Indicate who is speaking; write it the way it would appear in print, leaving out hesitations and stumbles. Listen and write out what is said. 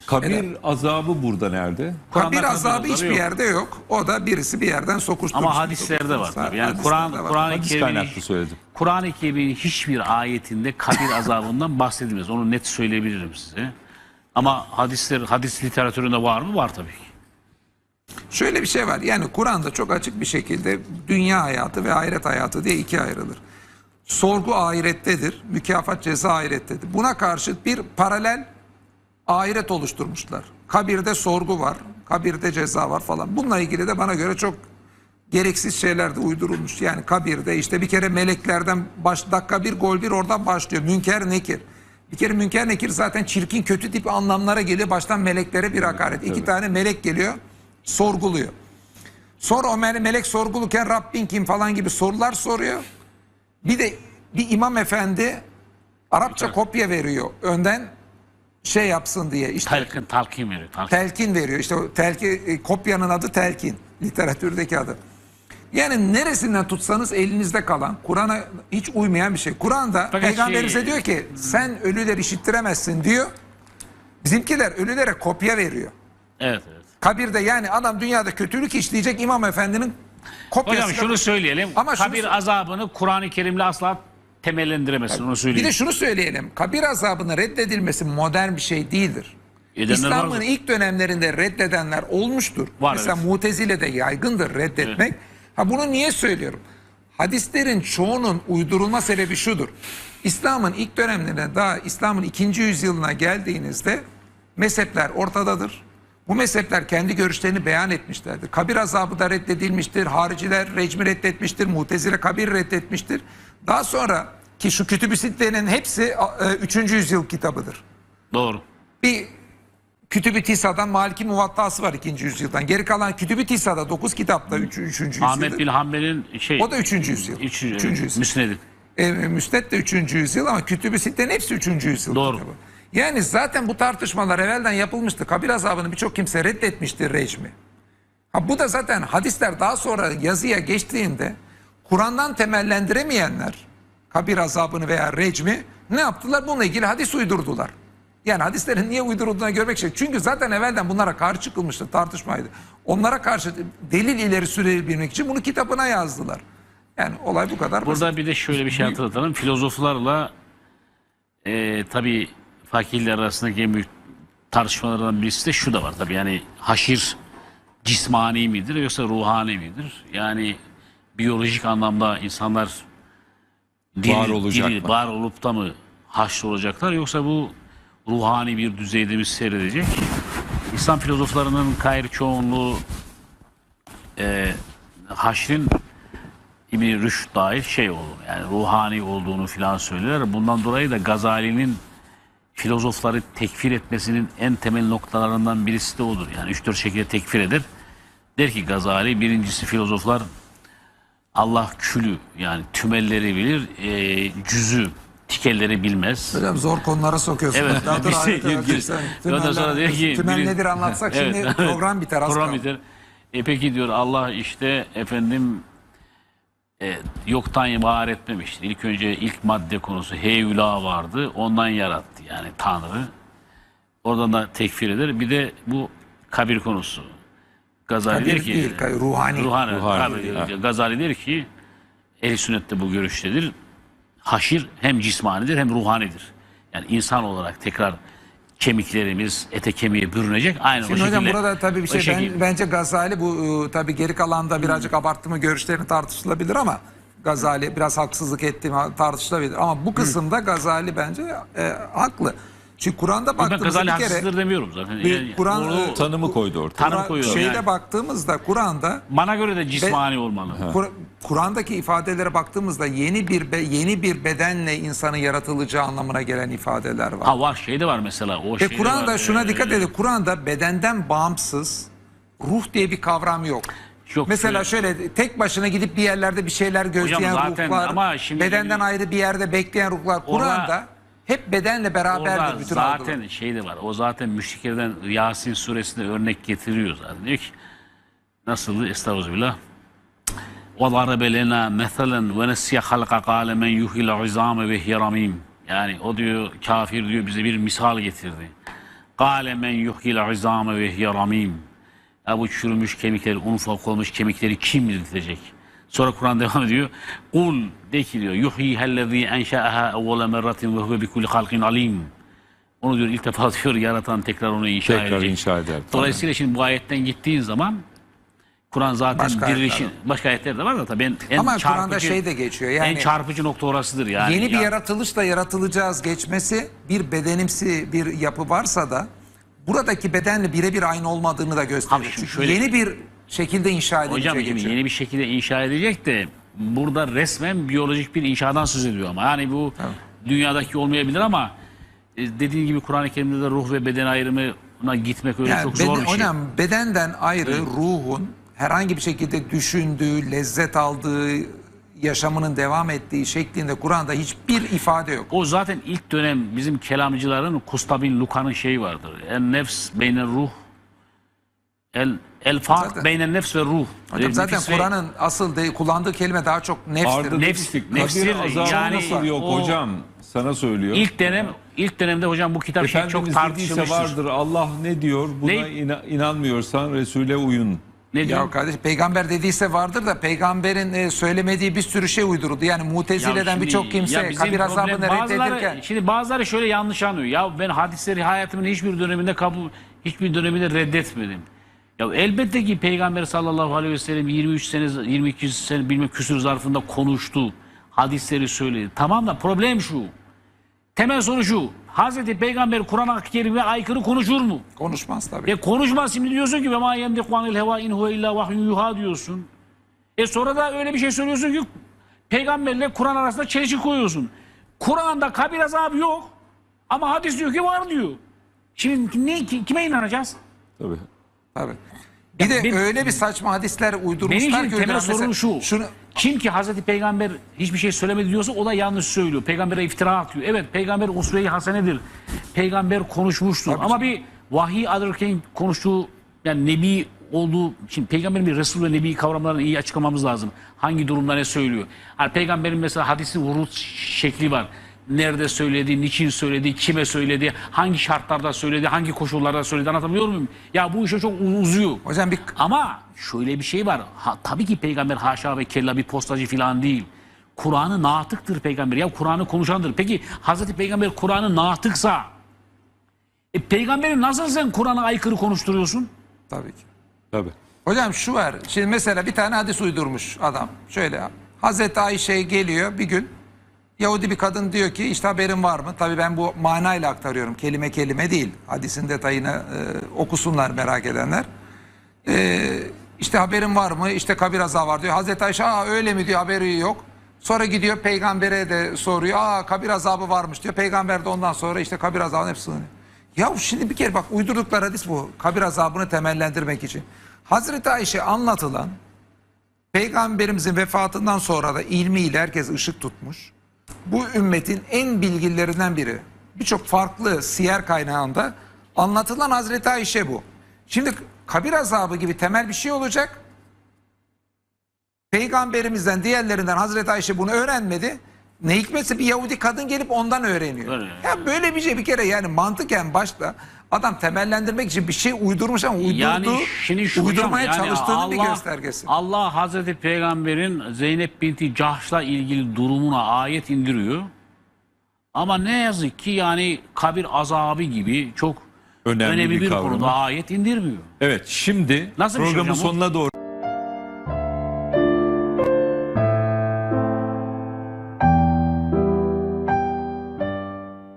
Speaker 1: Kabir azabı burada nerede?
Speaker 2: Kabir azabı hiçbir yerde yok. O da birisi bir yerden sokuşturmuş.
Speaker 3: Ama hadislerde var tabii. Yani Kur'an-ı Kerim'in hiçbir ayetinde kabir azabından bahsedilmez. Onu net söyleyebilirim size. Ama hadis literatüründe var mı? Var tabii ki.
Speaker 2: Şöyle bir şey var. Yani Kur'an'da çok açık bir şekilde dünya hayatı ve ahiret hayatı diye ikiye ayrılır. Sorgu ahirettedir, mükafat ceza ahirettedir. Buna karşıt bir paralel ahiret oluşturmuşlar. Kabirde sorgu var, kabirde ceza var falan. Bununla ilgili de bana göre çok gereksiz şeyler de uydurulmuş. Yani kabirde işte bir kere meleklerden dakika bir gol bir oradan başlıyor. Münker nekir. Bir kere münker nekir zaten çirkin kötü tip anlamlara geliyor. Baştan meleklere bir hakaret. İki tane melek geliyor, sorguluyor. Sonra o melek sorgulurken Rabbin kim falan gibi sorular soruyor. Bir de bir imam efendi Arapça kopya veriyor. Önden şey yapsın diye. İşte
Speaker 3: Talkin veriyor.
Speaker 2: Telkin veriyor. İşte o kopyanın adı telkin. Literatürdeki adı. Yani neresinden tutsanız elinizde kalan, Kur'an'a hiç uymayan bir şey. Kur'an'da Peygamberimize diyor ki sen ölüler işittiremezsin diyor. Bizimkiler ölülere kopya veriyor.
Speaker 3: Evet, evet.
Speaker 2: Kabirde yani adam dünyada kötülük işleyecek imam efendinin kopyası.
Speaker 3: Hocam şunu söyleyelim. Ama kabir azabını Kur'an-ı Kerim'le asla temellendiremezsin. Onu söyleyeyim.
Speaker 2: Bir de şunu söyleyelim. Kabir azabının reddedilmesi modern bir şey değildir. İslam'ın ilk dönemlerinde reddedenler olmuştur. Mesela evet. Mutezile'de yaygındır reddetmek. Evet. Ha bunu niye söylüyorum? Hadislerin çoğunun uydurulma sebebi şudur. İslam'ın ilk dönemlerinde daha İslam'ın 2. yüzyılına geldiğinizde mezhepler ortadadır. Bu mezhepler kendi görüşlerini beyan etmişlerdir. Kabir azabı da reddedilmiştir. Hariciler recmi reddetmiştir. Mutezile kabir reddetmiştir. Daha sonra ki şu Kütüb-i Sitte'nin hepsi 3. yüzyıl kitabıdır.
Speaker 3: Doğru.
Speaker 2: Bir Kütüb-i Tisa'dan Maliki Muvatta'sı var 2. yüzyıldan. Geri kalan Kütüb-i Tisa'da 9 kitapta 3. yüzyıldır.
Speaker 3: Ahmet bin Hanbel'in
Speaker 2: o da 3. yüzyıl. 3. yüzyıl.
Speaker 3: Müsned'i.
Speaker 2: Müsned de 3. yüzyıl ama Kütüb-i Sitte'nin hepsi 3. yüzyıl
Speaker 3: Doğru.
Speaker 2: kitabı. Yani zaten bu tartışmalar evvelden yapılmıştı. Kabir azabını birçok kimse reddetmiştir recmi. Ha bu da zaten hadisler daha sonra yazıya geçtiğinde Kur'an'dan temellendiremeyenler kabir azabını veya recmi ne yaptılar? Bununla ilgili hadis uydurdular. Yani hadislerin niye uydurulduğuna görmek için. Çünkü zaten evvelden bunlara karşı çıkılmıştı, tartışmaydı. Onlara karşı delil ileri sürebilmek için bunu kitabına yazdılar. Yani olay bu kadar
Speaker 3: basit.
Speaker 2: Burada
Speaker 3: bir de şöyle bir şey hatırlatalım. Filozoflarla tabii fakirler arasındaki en büyük tartışmalardan birisi de şu da var tabii. Yani haşir cismani midir yoksa ruhani midir? Yani biyolojik anlamda insanlar var olup da mı haşr olacaklar yoksa bu ruhani bir düzeyde mi seyredecek? İslam filozoflarının gayri çoğunluğu haşrin İbn-i Rüşd dahil şey olur. Yani ruhani olduğunu filan söyler. Bundan dolayı da Gazali'nin filozofları tekfir etmesinin en temel noktalarından birisi de odur. Yani 3-4 şekilde tekfir eder. Der ki Gazali birincisi filozoflar Allah külü yani tümelleri bilir, cüzü tikelleri bilmez.
Speaker 2: Hocam zor konulara sokuyorsun.
Speaker 3: Evet.
Speaker 2: Tümel nedir anlatsak evet. Şimdi program biter.
Speaker 3: Program biter. Peki diyor Allah işte efendim yoktan var etmemiştir. İlk önce ilk madde konusu heyula vardı. Ondan yarattı yani Tanrı. Oradan da tekfir eder. Bir de bu kabir konusu. Gazali der ki
Speaker 2: ruhani.
Speaker 3: Gazali der ki ehl-i sünnette bu görüştedir. Haşir hem cismanidir hem ruhanidir. Yani insan olarak tekrar kemiklerimiz ete kemiğe bürünecek. Aynı
Speaker 2: şimdi
Speaker 3: o şekilde.
Speaker 2: Hocam burada tabii bir şey bence Gazali bu tabii geri kalanda birazcık abarttı mı görüşlerini tartışılabilir ama Gazali biraz haksızlık ettiğimi tartışılabilir ama bu kısımda Gazali bence haklı. Çünkü Kur'an'da baktığımızda
Speaker 3: Gazali bir kere haksızdır demiyorum zaten. Yani,
Speaker 1: Kur'an tanımı koydu ortaya.
Speaker 3: Tanım koyuyor.
Speaker 2: Şeyde yani. Baktığımızda Kur'an'da
Speaker 3: bana göre de cismani olmalı.
Speaker 2: Kur'an'daki ifadelere baktığımızda yeni bir bedenle insanın yaratılacağı anlamına gelen ifadeler var.
Speaker 3: Ha var şey de var mesela. O
Speaker 2: Kur'an'da şuna dikkat edin. Kur'an'da bedenden bağımsız ruh diye bir kavram yok. Mesela şöyle tek başına gidip bir yerlerde bir şeyler gözleyen ruhlar, bedenden ayrı bir yerde bekleyen ruhlar. Kur'an'da hep bedenle beraberdir bütün
Speaker 3: zaten
Speaker 2: algılar.
Speaker 3: Şey de var. O zaten müşriklerden Yasin suresinde örnek getiriyor zaten. Diyor ki nasıl? Estağfirullah. وَضَرَبَ لَنَا مَثَلًا وَنَسْيَ خَلْقَ قَالَ مَنْ يُحْيِ الْعِظَامَ وَهِيَ رَمِيمٌ. Yani o diyor kafir diyor bize bir misal getirdi. Kâle men yuhyil izâme ve hiye ramîm. Ya bu çürümüş kemikleri, ufak olmuş kemikleri kim diriltecek? Sonra Kur'an devam ediyor. Kul de ki diyor. Yuhyihellezî enşâehâ evvele merratin ve huve bikulli halkin alim. Onu diyor ilk defa diyor yaratan tekrar onu inşa
Speaker 1: Tekrar
Speaker 3: edecek.
Speaker 1: inşa eder.
Speaker 3: Dolayısıyla şimdi bu ayetten gittiğin zaman Kur'an zaten
Speaker 2: Başka
Speaker 3: dirilişin
Speaker 2: ayetler
Speaker 3: başka ayetler de var da tabii en
Speaker 2: Ama Kur'an'da
Speaker 3: çarpıcı,
Speaker 2: şey de geçiyor. Yani
Speaker 3: en çarpıcı nokta orasıdır yani.
Speaker 2: yeni bir yaratılışla yaratılacağız geçmesi, bir bedenimsi bir yapı varsa da buradaki bedenle birebir aynı olmadığını da gösteriyor.
Speaker 3: Abi şimdi
Speaker 2: Çünkü
Speaker 3: şöyle-
Speaker 2: yeni bir şekilde inşa edilecek.
Speaker 3: Hocam şimdi
Speaker 2: geçiyor.
Speaker 3: yeni bir şekilde inşa edecek de burada resmen biyolojik bir inşadan söz ediyor ama yani bu dünyadaki olmayabilir ama dediğin gibi Kur'an-ı Kerim'de de ruh ve beden ayrımına gitmek öyle
Speaker 2: Yani
Speaker 3: çok zor bir şey.
Speaker 2: hocam bedenden ayrı ruhun herhangi bir şekilde düşündüğü, lezzet aldığı, yaşamının devam ettiği şeklinde Kur'an'da hiçbir ifade yok.
Speaker 3: O zaten ilk dönem bizim kelamcıların Kusta bin Luka'nın şeyi vardır. El nefs beyne ruh el fark
Speaker 2: Zaten-
Speaker 3: beyne nefs ve ruh.
Speaker 2: Hocam zaten
Speaker 3: Nefis ve-
Speaker 2: Kur'an'ın asıl kullandığı kelime daha çok nefstir.
Speaker 1: Arda
Speaker 3: Nefs-
Speaker 1: dedik ki,
Speaker 3: nefstir,
Speaker 1: kabir azabı
Speaker 3: yani
Speaker 1: nasıl yok
Speaker 3: o-
Speaker 1: hocam? Sana söylüyor.
Speaker 3: İlk dönemde hocam bu kitap çok
Speaker 1: Efendimiz dediyse
Speaker 3: tartışılmıştır.
Speaker 1: vardır. Allah ne diyor? Buna
Speaker 3: Ne?
Speaker 1: inanmıyorsan Resul'e uyun.
Speaker 3: Ne diyor?
Speaker 2: Ya kardeş peygamber dediyse vardır da peygamberin söylemediği bir sürü şey uyduruldu. Yani
Speaker 3: Ya
Speaker 2: Mutezile'den
Speaker 3: şimdi-
Speaker 2: birçok
Speaker 3: ya
Speaker 2: kimse
Speaker 3: bizim
Speaker 2: kabir azabını
Speaker 3: problem-
Speaker 2: reddedirken
Speaker 3: Şimdi bazıları şöyle yanlış anlıyor. Ya ben hadisleri hayatımın hiçbir döneminde reddetmedim. Ya elbette ki Peygamber sallallahu aleyhi ve sellem 23 sene 22 sene bilmem küsur zarfında konuştu. Hadisleri söyledi. Tamam da problem şu. Temel soru şu. Hazreti Peygamber Kur'an-ı Kerim'e aykırı konuşur mu?
Speaker 2: konuşmaz tabii.
Speaker 3: Konuşmaz şimdi diyorsun ki ve ma yemdiku anil heva in huve illa vahyun yuha diyorsun. Sonra da öyle bir şey söylüyorsun ki peygamberle Kur'an arasında çelişki koyuyorsun. Kur'an'da kabir azabı yok ama hadis diyor ki var diyor. Şimdi kime inanacağız?
Speaker 1: Tabii.
Speaker 2: Tabii. Bir de
Speaker 3: benim-
Speaker 2: öyle bir saçma hadisler
Speaker 3: Benim
Speaker 2: uydurmuşlar
Speaker 3: için
Speaker 2: ki
Speaker 3: temel
Speaker 2: uyduran
Speaker 3: sorun
Speaker 2: mesela-
Speaker 3: şu.
Speaker 2: Şunu,
Speaker 3: Kim ki Hazreti Peygamber hiçbir şey söylemedi diyorsa o da yanlış söylüyor. Peygamber'e iftira atıyor. Evet peygamber usve-i hasenedir. Peygamber konuşmuştur. Ama bir vahiy alırken konuştuğu yani nebi olduğu için peygamberin bir Resul ve Nebi kavramlarını iyi açıklamamız lazım. Hangi durumda ne söylüyor? Hani peygamberin mesela hadisi vurut şekli var. Nerede söyledi, niçin söyledi, kime söyledi, hangi şartlarda söyledi, hangi koşullarda söyledi anlatabiliyor muyum? Ya bu işe çok uzuyor.
Speaker 2: hocam bir
Speaker 3: Ama şöyle bir şey var. Tabii ki peygamber haşa ve kella bir postacı falan değil. Kur'an'ı natıktır peygamber. Ya Kur'an'ı konuşandır. Peki Hazreti Peygamber Kur'an'ı natıksa peygamberi nasıl sen Kur'an'a aykırı konuşturuyorsun?
Speaker 2: tabii ki.
Speaker 1: Tabii.
Speaker 2: Hocam şu var. Şimdi mesela bir tane hadis uydurmuş adam. Şöyle Hazreti Ayşe geliyor bir gün. Yahudi bir kadın diyor ki işte haberin var mı? Tabii ben bu manayla aktarıyorum. Kelime kelime değil. Hadisin detayını okusunlar merak edenler. İşte haberin var mı? İşte kabir azabı var diyor. Hazreti Ayşe öyle mi diyor, haberi yok. Sonra gidiyor peygambere de soruyor. Kabir azabı varmış diyor. Peygamber de ondan sonra işte kabir azabının hepsini. Ya şimdi bir kere bak uydurdukları hadis bu. Kabir azabını temellendirmek için. Hazreti Ayşe anlatılan peygamberimizin vefatından sonra da ilmiyle herkes ışık tutmuş. Bu ümmetin en bilgilerinden biri. Birçok farklı siyer kaynağında anlatılan Hazreti Ayşe bu. Şimdi kabir azabı gibi temel bir şey olacak. Peygamberimizden diğerlerinden Hazreti Ayşe bunu öğrenmedi. Ne hikmetse bir Yahudi kadın gelip ondan öğreniyor.
Speaker 3: Öyle.
Speaker 2: Ya böyle bir şey bir kere yani mantıken başta adam temellendirmek için bir şey uydurmuş ama uydurmaya çalıştığının bir göstergesi.
Speaker 3: Allah Hazreti Peygamber'in Zeynep binti Cahş'la ilgili durumuna ayet indiriyor. Ama ne yazık ki yani kabir azabı gibi çok
Speaker 1: Önemli
Speaker 3: önemli
Speaker 1: bir
Speaker 3: bir
Speaker 1: kavram.
Speaker 3: konuda ayet indirmiyor.
Speaker 1: Evet, şimdi
Speaker 3: Nasıl bir şey
Speaker 1: programın
Speaker 3: hocam bu?
Speaker 1: sonuna doğru